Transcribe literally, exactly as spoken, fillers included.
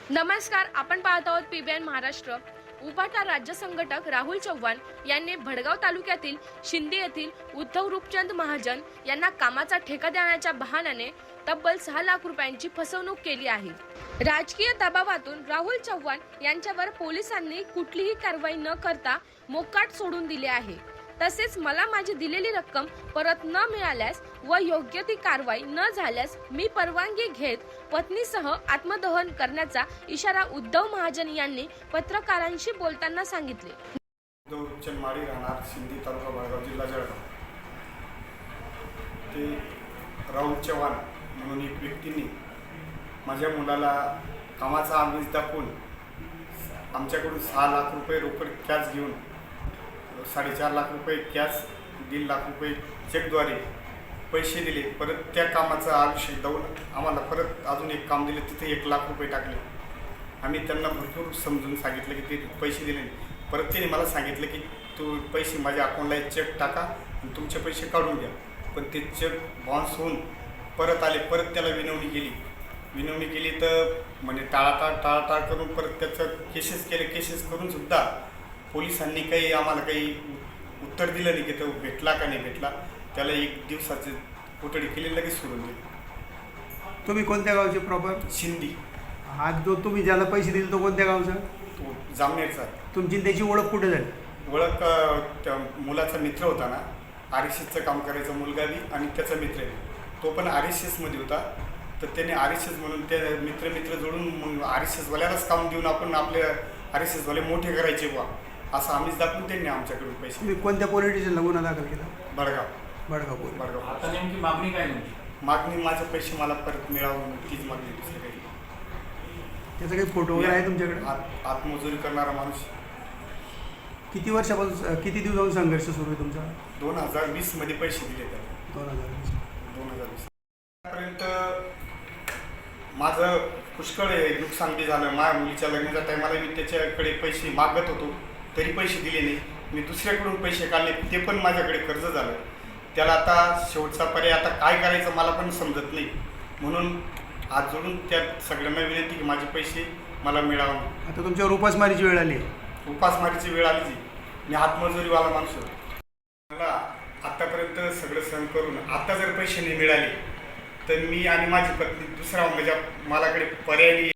नमस्कार, आपण पाहत आहोत पीबीएन महाराष्ट्र। उभाटा राज्य संघटक राहुल चव्हाण यांनी भडगाव तालुक्यातील शिंदे येथील उद्धव रूपचंद महाजन यांना कामाचा ठेका देण्याच्या बहाण्याने तब्बल सहा लाख रुपयांची फसवणूक केली आहे। राजकीय दबावातून राहुल चव्हाण यांच्यावर पोलिसांनी कुठलीही कारवाई न करता मोकाट सोडून दिले आहे। तसेच मला माझी दिलेली रक्कम परत न मिळाल्यास व योग्य ती कारवाई न झाल्यास मी परवानगी घेत पत्नीसह आत्मदहन करण्याचा इशारा उद्धव महाजन यांनी पत्रकारांशी बोलताना सांगितले। उद्धव रूपचंद माळी राहणार शिंदे तालुका भडगाव जिल्हा जळगाव ते राहुल चव्हाण म्हणून एक व्यक्तीने माझ्या मुलाला कामाचा आमिष दाखवून आमच्याकडून सहा लाख रुपये रोकड कॅश घेऊन साडेचार लाख रुपये कॅश दीड लाख रुपये चेकद्वारे पैसे दिले। परत त्या कामाचं आयुष्य देऊन आम्हाला परत अजून एक काम दिलं, तिथे एक लाख रुपये टाकले। आम्ही त्यांना भरपूर समजून सांगितलं की ते पैसे दिले नाही। परत त्याने मला सांगितलं की तू पैसे माझ्या अकाउंटला एक चेक टाका आणि तुमचे पैसे काढून घ्या। पण ते चेक बाउन्स होऊन परत आले। परत त्याला विनवणी केली विनवणी केली तर म्हणजे टाळाटाळ टाळाटाळ करून परत त्याचं केसेस केले। केसेस करून सुद्धा पोलिसांनी काही आम्हाला काही उत्तर दिलं नाही की तो भेटला का नाही भेटला। त्याला एक दिवसाची कोठडी केली, लगेच सोडून दिली। तुम्ही कोणत्या गावचे प्रॉपर? शिंदी। आज जो तुम्ही ज्याला पैसे दिले तो कोणत्या गावचा? तो जामनेरचा आहे। तुमची त्याची ओळख कुठे झाली? ओळख त्या मुलाचा मित्र होता ना, आर एस एसचं काम करायचा मुलगा बी आणि त्याचा मित्र बी, तो पण आर एस एसमध्ये होता। तर त्याने आर एस एस म्हणून त्या मित्र मित्र जोडून मग आर एस एसवाल्यालाच काम देऊन आपण आपले आर एस एसवाले मोठे करायचे बा असं आम्हीच दाखवून त्यांनी आमच्याकडून पैसे। तुम्ही कोणत्या पोलीस स्टेशनला गुन्हा दाखल केला? भडगाव भडगाव पोलीस। भडगाव। आता नेमकी मागणी काय तुमची? मागणी माझे पैसे मला परत मिळावं, तीच मागणी, दुसरी काही। त्याचा काही फोटो वगैरे आहे तुमच्याकडे? आत आत्मजुरी करणारा माणूस। किती वर्षापासून किती दिवसापासून संघर्ष सुरू आहे तुमचा? दोन हजार वीस मध्ये पैसे दिले त्याला। दोन हजार वीस दोन हजार वीस पर्यंत माझं पुष्कळ नुकसान बी झालं। माझ्या मुलीच्या लग्नाच्या टायमाला मी त्याच्याकडे पैसे मागत होतो, तरी पैसे दिले नाही। मी दुसऱ्याकडून पैसे काढले, ते पण माझ्याकडे कर्ज झालं। त्याला आता शेवटचा पर्याय आता काय करायचं मला पण समजत नाही। म्हणून हात जोडून त्या सगळ्यांना विनंती की माझे पैसे मला मिळावं। आता तुमच्यावर उपासमारीची वेळ आली आहे? उपासमारीची वेळ आली जी, मी हातमजुरीवाला माणूस होतो। मला आतापर्यंत सगळं सहन करून आता जर पैसे नाही मिळाले तर मी आणि माझी पत्नी दुसरा म्हणजे माझ्याकडे पर्याय